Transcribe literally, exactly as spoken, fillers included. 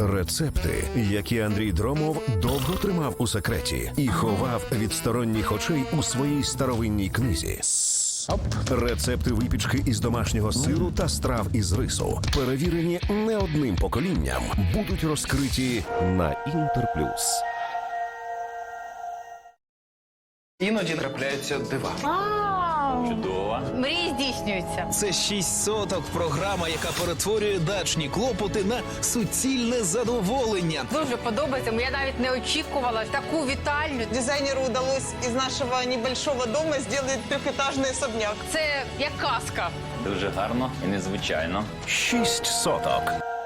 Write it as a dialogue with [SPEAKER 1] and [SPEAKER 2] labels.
[SPEAKER 1] Рецепти, які Андрій Дромов довго тримав у секреті і ховав від сторонніх очей у своїй старовинній книзі. Рецепти випічки із домашнього сиру та страв із рису, перевірені не одним поколінням, будуть розкриті на Інтерплюс.
[SPEAKER 2] Іноді трапляються дива.
[SPEAKER 3] Чудово.
[SPEAKER 4] Мрії здійснюються.
[SPEAKER 5] Це «Шість соток» – програма, яка перетворює дачні клопоти на суцільне задоволення.
[SPEAKER 4] Дуже подобається. Я навіть не очікувала таку вітальню.
[SPEAKER 6] Дизайнеру удалось из нашего небольшого дома сделать трехэтажный особняк.
[SPEAKER 4] Це як казка.
[SPEAKER 3] Дуже гарно і незвичайно.
[SPEAKER 1] «Шість соток».